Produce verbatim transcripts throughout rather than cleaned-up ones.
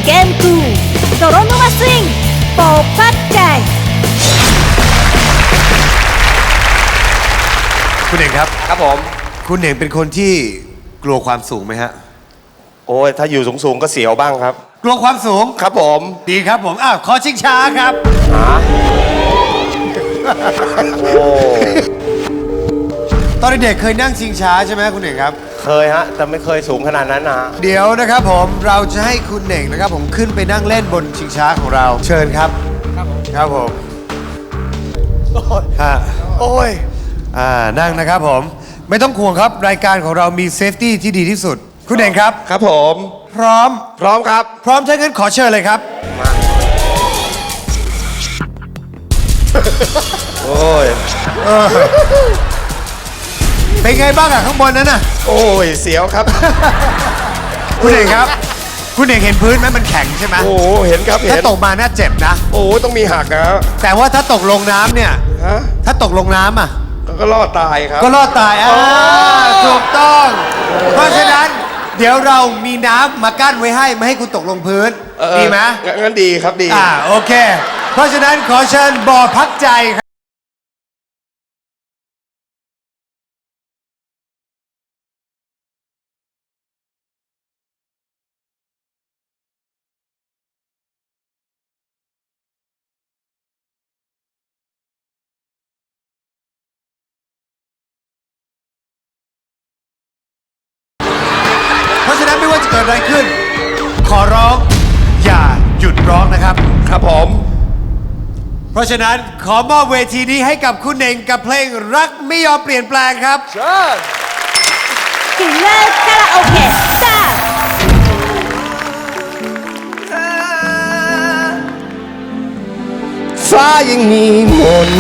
Game ทู泥沼スインโปพัดใจคุณเอกครับครับผมคุณเอกเป็นคนที่กลัวความสูงไหมฮะโอ้ยถ้าอยู่สูงๆก็เสียวบ้างครับกลัวความสูงครับผมดีครับผมอ้าวขอชิงช้าครับหาโอ้ตอนเด็กเคยนั่งชิงช้าใช่ไหมคุณเอกครับเคยฮะแต่ไม่เคยสูงขนาดนั้นนะเดี๋ยวนะครับผมเราจะให้คุณเอกนะครับผมขึ้นไปนั่งเล่นบนชิงช้าของเราเชิญครับครับผมครับผมฮะโอ้ยอ่านั่งนะครับผมไม่ต้องห่วงครับรายการของเรามีเซฟตี้ที่ดีที่สุดคุณเอกครับครับผมพร้อมพร้อมครับพร้อมถ้างั้นขอเชิญเลยครับมาโอ้ยเป็นไงบ้างอะข้างบนนั้นน่ะโอ้ยเสียวครับคุณเอกครับคุณเอกเห็นพื้นไหมมันแข็งใช่ไหมโอ้เห็นครับเห็นถ้าตกมาน่าเจ็บนะโอ้ต้องมีหักนะแต่ว่าถ้าตกลงน้ำเนี่ยฮะถ้าตกลงน้ำอ่ะก็รอดตายครับก็รอดตายอ่าถูกต้องเพราะฉะนั้นเดี๋ยวเรามีน้ำมากั้นไว้ให้ไม่ให้คุณตกลงพื้นดีไหมงั้นดีครับดีอ่าโอเคเพราะฉะนั้นขอเชิญบ่อพักใจครับเพราะฉะนั้นไม่ว่าจะเกิดอะไรขึ้นขอร้องอย่าหยุดร้องนะครับครับผมเพราะฉะนั้นขอมอบเวทีนี้ให้กับคุณเน่งกับเพลงรักไม่ยอมเปลี่ยนแปลงครับเชิญกินเลอร์คาราโอเกะสตาร์ฟ้ายังมีมน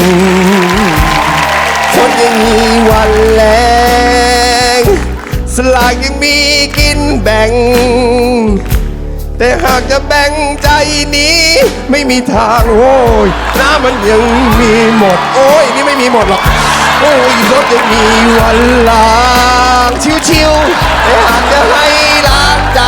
ฝนยังมีวันแรงสลากยังมีกินแบ่งแต่หากจะแบ่งใจนี้ไม่มีทางโอ้ยน้ำมันยังมีหมดโอ้ยนี่ไม่มีหมดหรอกโอ้ยรถยังมีวันล้างชิวๆแต่หากจะให้ล้างใจ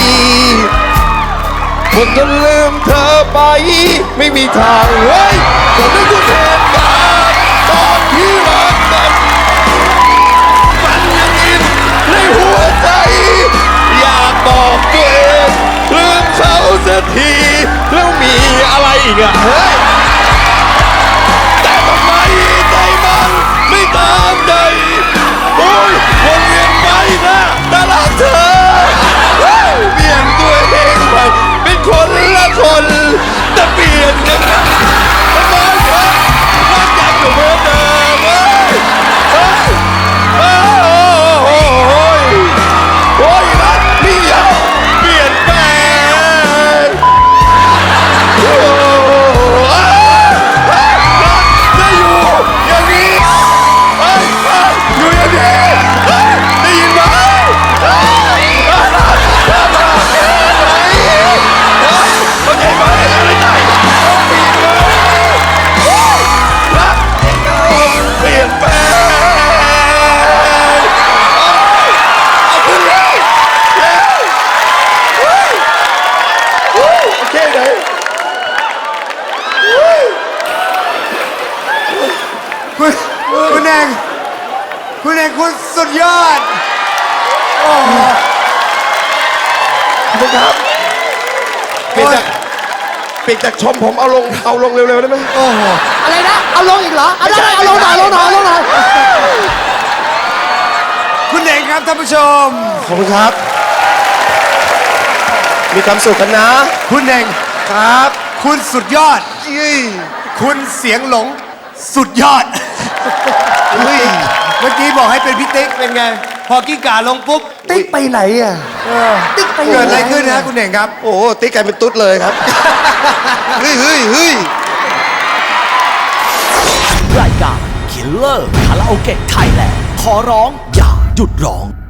หมดจนลืมเธอไปไม่มีทางเฮ้ยก็นึกถึงเหตุการณ์ตอนที่รักกันมันยังอินในหัวใจอยากบอกตัวเองลืมเขาสักทีแล้วมีอะไรอีกอะเฮ้ยแต่ทำไมใจมันไม่ตามใจโอ้ยวนเวียนไปนะแต่รักเธอเปลี่ยนตัวเองไปเป็นคนละคนแต่เปลี่ยนกันนะทำไมครับรักยังอยู่เหมือนเดิมเฮ้ยเฮ้ยโอ้ยโอ้ยรักพี่ยาวเปลี่ยนแปลงโอ้ยรักจะอยู่อย่างนี้เฮ้ยอยู่อย่างนี้ได้ยินไหมโอเคไหมอะไรใจรักเปลี่ยนแปลงเอาขึ้นแล้วแล้วโอเคไหนคุณคุณเองคุณเองคุณสุดยอดโอ้โหคุณครับเปลี่ยนจากเปลี่ยนจากชมผมเอาลงเอาลงเร็วๆได้ไหมโอ้โหอะไรนะเอาลงอีกเหรอเอาลงเอาลงหน่อยลงหน่อยลงหน่อยคุณเองครับท่านผู้ชมขอบคุณครับมีความสุขกันนะคุณเองครับคุณสุดยอดคุณเสียงหลงสุดยอดเฮ้ยเมื่อกี้บอกให้เป็นพี่ติ๊กเป็นไงพอกิ้งก่าลงปุ๊บติ๊กไปไหนอ่ะติ๊กไปเกิดอะไรขึ้นนะคุณเองครับโอ้ติ๊กกลายเป็นตุ๊ดเลยครับเฮ้ยเฮ้ยเฮ้ยรายการ Killer Karaoke Thailand ขอร้องอย่าหยุดร้อง